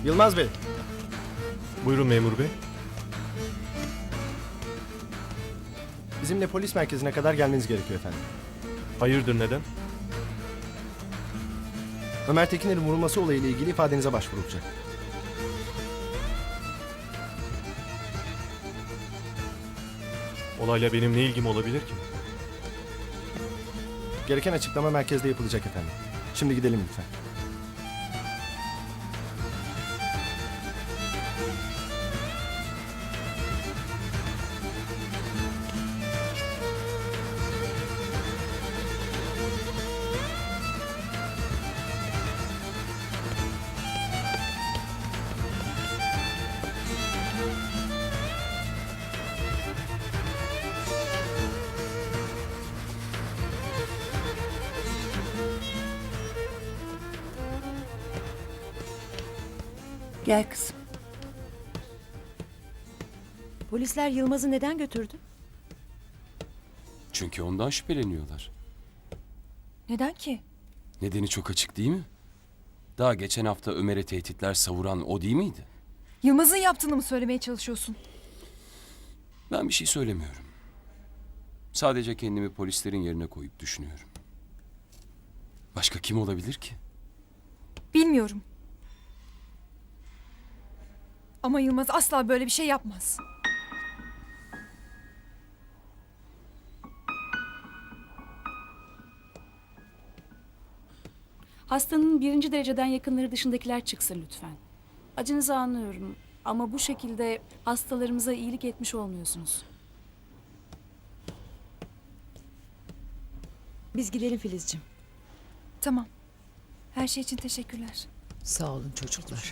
Yılmaz Bey. Buyurun memur bey. Bizimle polis merkezine kadar gelmeniz gerekiyor efendim. Hayırdır neden? Ömer Tekiner'in vurulması olayıyla ilgili ifadenize başvurulacak. Olayla benim ne ilgim olabilir ki? Gereken açıklama merkezde yapılacak efendim. Şimdi gidelim lütfen. Gel kızım. Polisler Yılmaz'ı neden götürdü? Çünkü ondan şüpheleniyorlar. Neden ki? Nedeni çok açık değil mi? Daha geçen hafta Ömer'e tehditler savuran o değil miydi? Yılmaz'ın yaptığını mı söylemeye çalışıyorsun? Ben bir şey söylemiyorum. Sadece kendimi polislerin yerine koyup düşünüyorum. Başka kim olabilir ki? Bilmiyorum. Ama Yılmaz asla böyle bir şey yapmaz. Hastanın birinci dereceden yakınları dışındakiler çıksın lütfen. Acınızı anlıyorum ama bu şekilde hastalarımıza iyilik etmiş olmuyorsunuz. Biz gidelim Filizciğim. Tamam. Her şey için teşekkürler. Sağ olun çocuklar.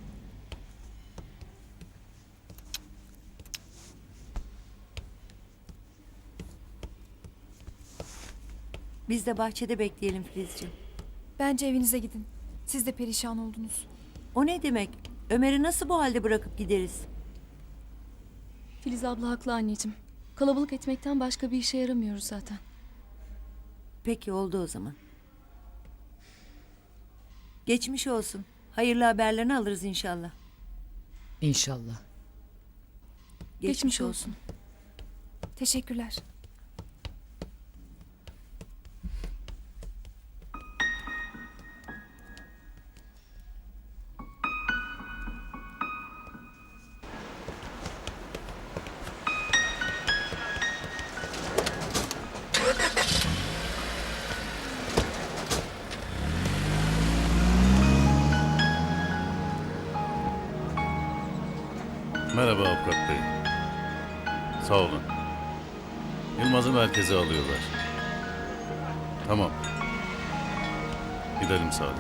Biz de bahçede bekleyelim Filizciğim. Bence evinize gidin. Siz de perişan oldunuz. O ne demek? Ömer'i nasıl bu halde bırakıp gideriz? Filiz abla haklı anneciğim. Kalabalık etmekten başka bir işe yaramıyoruz zaten. Peki oldu o zaman. Geçmiş olsun. Hayırlı haberlerini alırız inşallah. İnşallah. Geçmiş olsun. Teşekkürler. Merhaba Avukat Bey. Sağ olun. Yılmaz'ı merkeze alıyorlar. Tamam. Gidelim Sadık.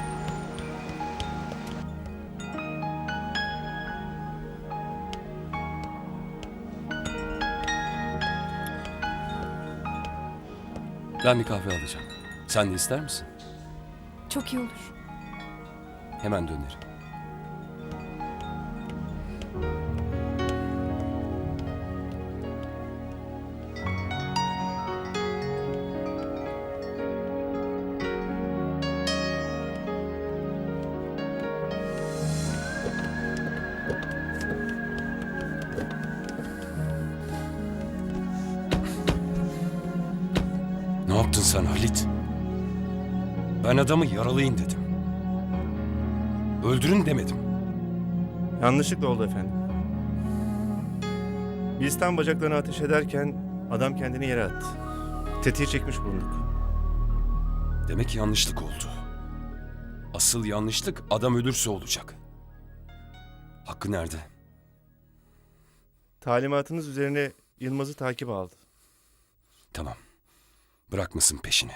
Ben bir kahve alacağım. Sen de ister misin? Çok iyi olur. Hemen dönerim. Ne yaptın sen Halit? Ben adamı yaralayın dedim. Öldürün demedim. Yanlışlıkla oldu efendim. Biz tam bacaklarına ateş ederken adam kendini yere attı. Tetiği çekmiş bulunduk. Demek yanlışlık oldu. Asıl yanlışlık adam ölürse olacak. Hakkı nerede? Talimatınız üzerine Yılmaz'ı takip aldı. Tamam. Bırakmasın peşini.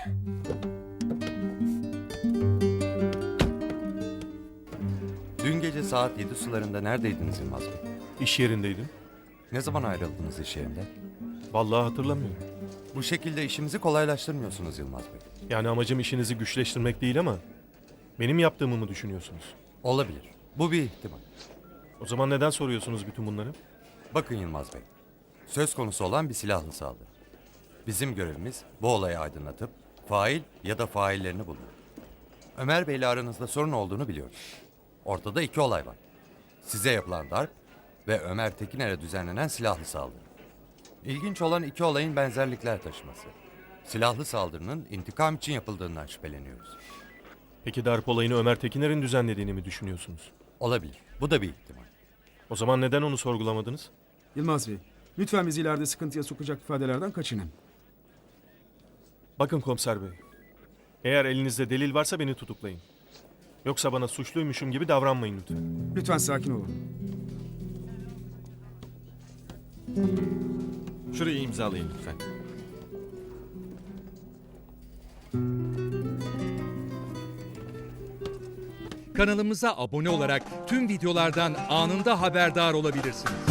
Dün gece saat 7 sularında neredeydiniz Yılmaz Bey? İş yerindeydim. Ne zaman ayrıldınız iş yerinden? Vallahi hatırlamıyorum. Bu şekilde işimizi kolaylaştırmıyorsunuz Yılmaz Bey. Yani amacım işinizi güçleştirmek değil ama benim yaptığımı mı düşünüyorsunuz? Olabilir. Bu bir ihtimal. O zaman neden soruyorsunuz bütün bunları? Bakın Yılmaz Bey. Söz konusu olan bir silahlı saldırı. Bizim görevimiz bu olayı aydınlatıp fail ya da faillerini bulmak. Ömer Bey'le aranızda sorun olduğunu biliyoruz. Ortada iki olay var. Size yapılan darp ve Ömer Tekiner'e düzenlenen silahlı saldırı. İlginç olan iki olayın benzerlikler taşıması. Silahlı saldırının intikam için yapıldığından şüpheleniyoruz. Peki darp olayını Ömer Tekiner'in düzenlediğini mi düşünüyorsunuz? Olabilir. Bu da bir ihtimal. O zaman neden onu sorgulamadınız? Yılmaz Bey, lütfen bizi ileride sıkıntıya sokacak ifadelerden kaçının. Bakın komiser bey. Eğer elinizde delil varsa beni tutuklayın. Yoksa bana suçluymuşum gibi davranmayın lütfen. Lütfen sakin olun. Şurayı imzalayın lütfen. Kanalımıza abone olarak tüm videolardan anında haberdar olabilirsiniz.